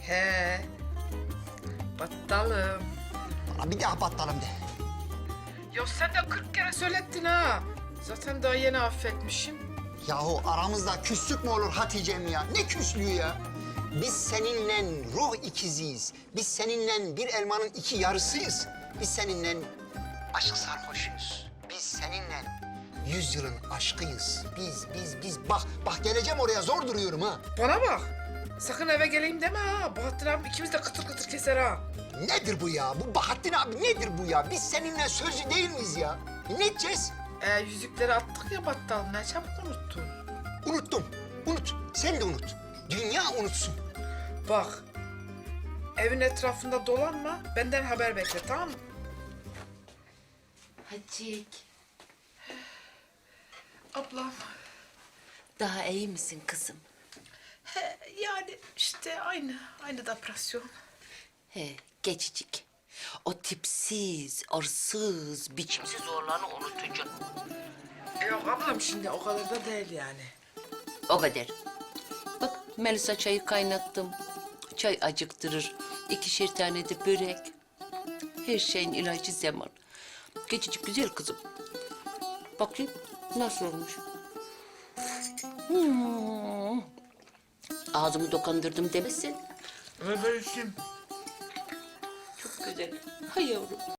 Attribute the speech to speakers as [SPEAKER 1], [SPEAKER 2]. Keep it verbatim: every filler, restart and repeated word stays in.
[SPEAKER 1] He. Battalım.
[SPEAKER 2] Bana bir daha battalım de.
[SPEAKER 1] Ya sen de kırk kere söylettin ha. Zaten daha yeni affetmişim.
[SPEAKER 2] Yahu aramızda küslük mü olur Hatice'm ya? Ne küslüğü ya? Biz seninle ruh ikiziyiz. Biz seninle bir elmanın iki yarısıyız. Biz seninle aşk sarhoşuyuz. Biz seninle yüzyılın aşkıyız. Biz, biz, biz. Bak, bak geleceğim oraya zor duruyorum ha.
[SPEAKER 1] Bana bak. Sakın eve geleyim deme ha. Bahattin abi ikimiz de kıtır kıtır keser ha.
[SPEAKER 2] Nedir bu ya? Bu Bahattin abi nedir bu ya? Biz seninle sözlü değil miyiz ya? E, ne edeceğiz?
[SPEAKER 1] E, yüzükleri attık ya battal. Ne çabuk unuttun.
[SPEAKER 2] Unuttum. Unut. Sen de unut. Dünya unutsun.
[SPEAKER 1] Bak. Evin etrafında dolanma. Benden haber bekle, tamam mı?
[SPEAKER 3] Hacik,
[SPEAKER 1] Ablam.
[SPEAKER 3] daha iyi misin kızım?
[SPEAKER 1] He, yani işte aynı. Aynı depresyon.
[SPEAKER 3] He, geçicik. O tipsiz, arsız, biçimsiz oğlanı unutacak.
[SPEAKER 1] E, yok ablam şimdi o kadar da değil yani.
[SPEAKER 3] O kadar. Bak Melisa çayı kaynattım. Çay acıktırır. İkişer tane de börek. Her şeyin ilacı zaman. Geçicik güzel kızım. Bakayım nasıl olmuş. Hmm. Ağzımı dokandırdım demesin.
[SPEAKER 1] Öyle işim.
[SPEAKER 3] Çok güzel. Hay yavrum.